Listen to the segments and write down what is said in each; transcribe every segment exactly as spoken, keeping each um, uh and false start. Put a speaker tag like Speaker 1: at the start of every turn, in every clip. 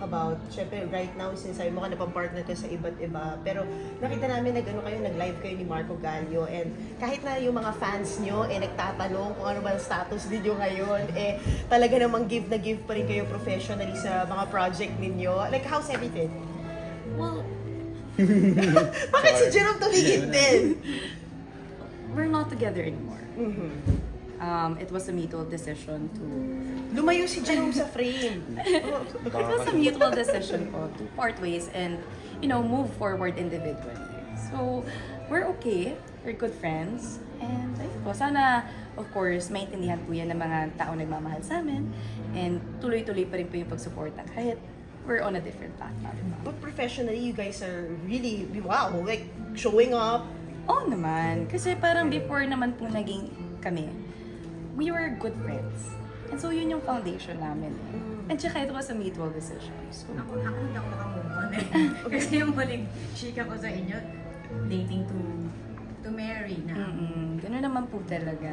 Speaker 1: about, syempre right now, since sabi mo ka napang-partner ka sa iba't iba, pero nakita namin nag-ano kayo, nag-live kayo ni Marco Gallio, and kahit na yung mga fans nyo, eh, nagtatanong kung ano ba ang status ninyo ngayon, eh, talaga namang give na give pa rin kayo professionally sa mga project ninyo. Like, how's everything?
Speaker 2: Well,
Speaker 1: Bakit si Jerome tumigil din?
Speaker 2: we're not together anymore.
Speaker 1: Mhm.
Speaker 2: Um, it was a mutual decision to...
Speaker 1: Lumayo si Jerome sa frame.
Speaker 2: It was a mutual decision po to part ways and, you know, move forward individually. So, we're okay. We're good friends. And, ayun po, sana, of course, maintindihan po yan ng mga tao nagmamahal sa amin. And tuloy-tuloy pa rin po yung pagsuporta kahit we're on a different path na, diba?
Speaker 1: But professionally, you guys are really, wow, like, showing up.
Speaker 2: Oo naman. Kasi parang before naman po naging kami, we were good friends. And so yun yung foundation namin. And tsaka it was a mutual decision. So,
Speaker 3: Ako, ako hindi ako makamove on eh. Kasi yung huling chika ko sa inyo, dating to to marry na.
Speaker 2: mm ganun naman po talaga.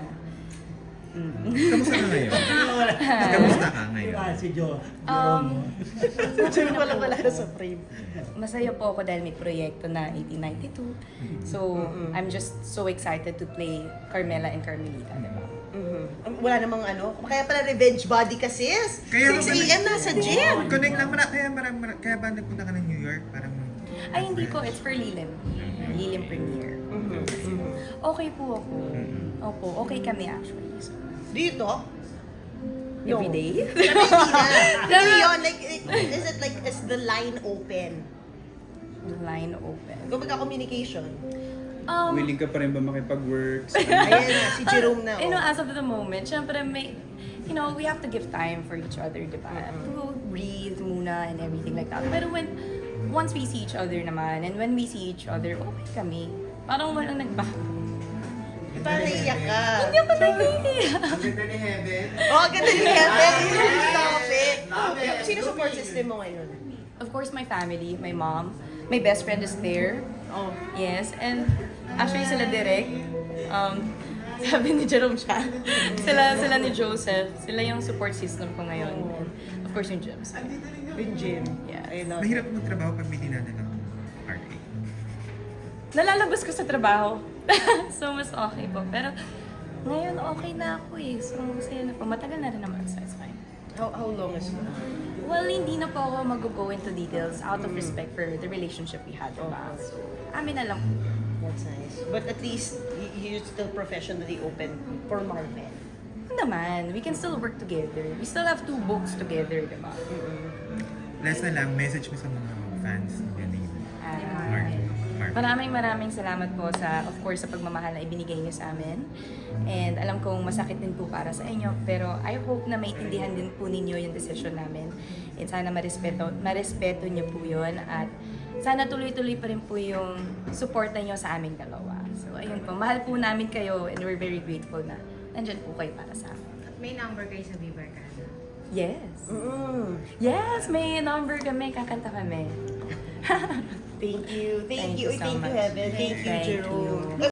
Speaker 2: Mm.
Speaker 4: Kamusta ka ngayon? Kamusta ka ngayon?
Speaker 5: Diba, si Jo?
Speaker 2: Um,
Speaker 1: Jerome pala pala sa frame.
Speaker 2: Masaya po ako dahil may proyekto na eighteen ninety-two. So, I'm just so excited to play Carmela and Carmelita, diba?
Speaker 1: Mhm. Wala namang ano, kaya pala revenge body ka sis.
Speaker 4: Kaya
Speaker 1: six
Speaker 4: ba-
Speaker 1: a m nasa gym.
Speaker 4: Connect lang mara, kaya marang, marang, kaya ba nagpunta ka ng New York? Parang...
Speaker 2: Ay, hindi po. It's for Lilim. Lilim premiere.
Speaker 1: Mhm. Mhm.
Speaker 2: Okay po ako. Opo, okay kami actually. So,
Speaker 1: Dito?
Speaker 2: every day?
Speaker 1: Pero hindi na. Hindi yun, like, is it like, is the line open?
Speaker 2: The line open.
Speaker 1: Kumbaga communication.
Speaker 2: Um,
Speaker 6: Willing ka pa rin ba makipag-work?
Speaker 1: Ayan na, si Jerome na.
Speaker 2: you know,
Speaker 1: oh.
Speaker 2: as of the moment, syempre may, you know, we have to give time for each other, di ba? To breathe muna and everything like that. Pero when, once we see each other naman, and when we see each other, okay kami. Parang walang nagbago.
Speaker 1: Parang naiyak ka.
Speaker 2: Hindi ako naiiyak.
Speaker 5: Ang ganda ni Heaven.
Speaker 1: Oh, ganda ni Heaven. Stop it. Sino support system mo ngayon?
Speaker 2: Of course, my family, my mom, my best friend is there.
Speaker 1: Oh.
Speaker 2: Yes, and actually sila direct. Um, sabi ni Jerome siya. Sila, sila ni Joseph. Sila yung support system ko ngayon. And of course, yung Gems.
Speaker 1: Yung gym.
Speaker 2: Yeah.
Speaker 1: I love
Speaker 4: Mahirap
Speaker 1: it.
Speaker 4: magtrabaho pag may dinadala ng heartache.
Speaker 2: Nalalabas ko sa trabaho. So, mas okay po. Pero ngayon, okay na ako eh. So, masaya na po. Matagal na rin naman. So, it's fine.
Speaker 1: How, how long is it?
Speaker 2: Well, hindi na po ako mag-go into details out of respect for the relationship we had. Diba? So, amin na lang po.
Speaker 1: That's nice. But at least, y- you're still professionally open for Marvel.
Speaker 2: Ano naman, we can still work together. We still have two books together, diba?
Speaker 4: Last na lang, message mo sa mga fans ni
Speaker 2: Ah,
Speaker 4: Mark. Mark.
Speaker 2: Maraming maraming salamat po sa, of course, sa pagmamahal na ibinigay niyo sa amin. And alam kong masakit din po para sa inyo, pero I hope na maintindihan din po ninyo yung decision namin. And sana marespeto, marespeto niyo po yun. At sana tuloy-tuloy pa rin po yung support niyo sa aming dalawa. So ayun po, mahal po namin kayo and we're very grateful na nandyan po kayo para sa amin.
Speaker 3: May number kayo sa Viva Arcana.
Speaker 2: Yes!
Speaker 1: Mm.
Speaker 2: Yes! May number kami, kakanta kami.
Speaker 1: Thank you. Thank,
Speaker 2: Thank
Speaker 1: you.
Speaker 2: you so
Speaker 1: Thank you,
Speaker 2: much.
Speaker 1: Heaven. Thank you,
Speaker 2: Thank
Speaker 1: Jerome.
Speaker 2: you.